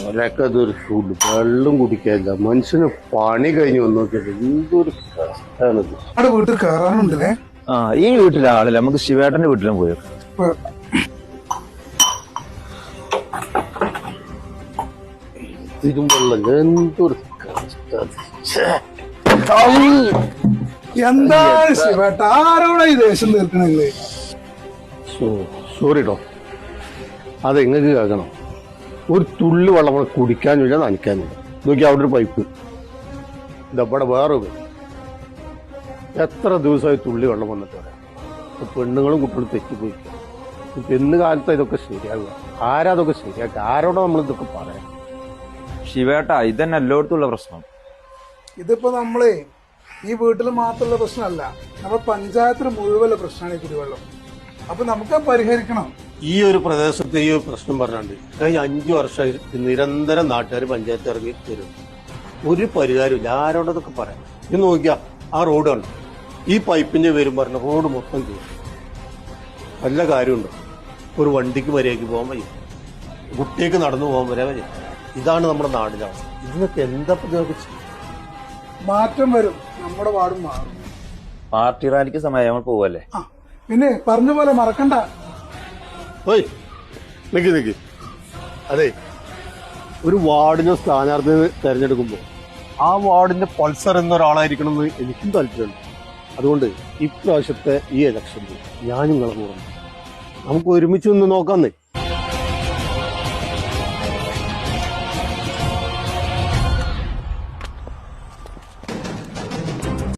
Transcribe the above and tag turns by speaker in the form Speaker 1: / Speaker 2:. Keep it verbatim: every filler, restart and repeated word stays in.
Speaker 1: ഒരൊക്കെ അതൊരു ഫുഡ് വെള്ളം കുടിക്കാനില്ല. മനുഷ്യന് പണി കഴിഞ്ഞ് വന്നു നോക്കിയത് എന്തൊരു കഷ്ടാണിത്.
Speaker 2: അവിടെ വീട്ടിൽ കയറാനുണ്ടല്ലേ?
Speaker 3: ആ ഈ വീട്ടിലെ ആളല്ല, നമുക്ക് ശിവേട്ടന്റെ വീട്ടിലും പോയോ?
Speaker 1: തിരുമ്പെള്ളം എന്തൊരു കഷ്ടം.
Speaker 2: എന്താണ് ശിവേട്ട, ആരോടാ ഈ ദേഷ്യം തീർക്കണല്ലേ?
Speaker 1: സോറി കേട്ടോ, അതെങ്ങൾക്ക് കേൾക്കണം. ഒരു തുള്ളി വെള്ളം കുടിക്കാനില്ല, നനയ്ക്കാനില്ല. നോക്കി അവിടെ ഒരു പൈപ്പ്, ഇതവിടെ വേറെ എത്ര ദിവസമായി തുള്ളി വെള്ളം വന്നിട്ട് പറയാം. പെണ്ണുങ്ങളും കുട്ടികളും തെറ്റിപ്പോയി. ഇന്ന് കാലത്ത് ഇതൊക്കെ ശരിയാകുക. ആരാ അതൊക്കെ ശരിയാക്കുക? ആരോടാ നമ്മൾ ഇതൊക്കെ പറയാം?
Speaker 3: ശിവേട്ട, ഇതന്നെ എല്ലായിടത്തുള്ള പ്രശ്നം.
Speaker 2: ഇതിപ്പോ നമ്മളെ ഈ വീട്ടിൽ മാത്രമുള്ള പ്രശ്നമല്ല, നമ്മുടെ പഞ്ചായത്തിന് മുഴുവനുള്ള പ്രശ്നമാണ് ഈ കുടിവെള്ളം. അപ്പൊ നമുക്ക് പരിഹരിക്കണം.
Speaker 1: ഈ ഒരു പ്രദേശത്ത് ഈ ഒരു പ്രശ്നം പറഞ്ഞാണ്ട് കഴിഞ്ഞ അഞ്ചു വർഷമായി നിരന്തരം നാട്ടുകാർ പഞ്ചായത്ത് ഇറങ്ങി തരും. ഒരു പരിഹാരമില്ല. ആരോടൊക്കെ പറയാം. ഇത് നോക്കിയാ ആ റോഡ് കണ്ടു, ഈ പൈപ്പിന്റെ പേരും പറഞ്ഞ റോഡ് മൊത്തം ചെയ്യും. വല്ല കാര്യമുണ്ടോ? ഒരു വണ്ടിക്ക് വരെയൊക്കെ പോകാൻ വയ്യ, കുട്ടിക്ക് നടന്നു പോകാൻ വരെ വയ്യ. ഇതാണ് നമ്മുടെ നാടിന്റെ അവസ്ഥ. ഇതിനൊക്കെ എന്താ
Speaker 2: മാറ്റം വരും, നമ്മുടെ വാർഡും മാറും.
Speaker 3: പാർട്ടി റാലിക്ക് സമയം നമ്മൾ പോവല്ലേ?
Speaker 2: ആ പിന്നെ പറഞ്ഞ പോലെ മറക്കണ്ട.
Speaker 1: ഓയ് നിക്ക് നിക്ക് അതെ, ഒരു വാർഡിനെ സ്ഥാനാർത്ഥിയെ തെരഞ്ഞെടുക്കുമ്പോൾ ആ വാർഡിന്റെ പൾസർ എന്നൊരാളായിരിക്കണം എന്ന് എനിക്കും താല്പര്യമുണ്ട്. അതുകൊണ്ട് ഇപ്രാവശ്യത്തെ ഈ ഇലക്ഷനിൽ ഞാൻ നിങ്ങളെ കൂടെ നമുക്ക് ഒരുമിച്ച് നിന്ന് നോക്കാന്നേ.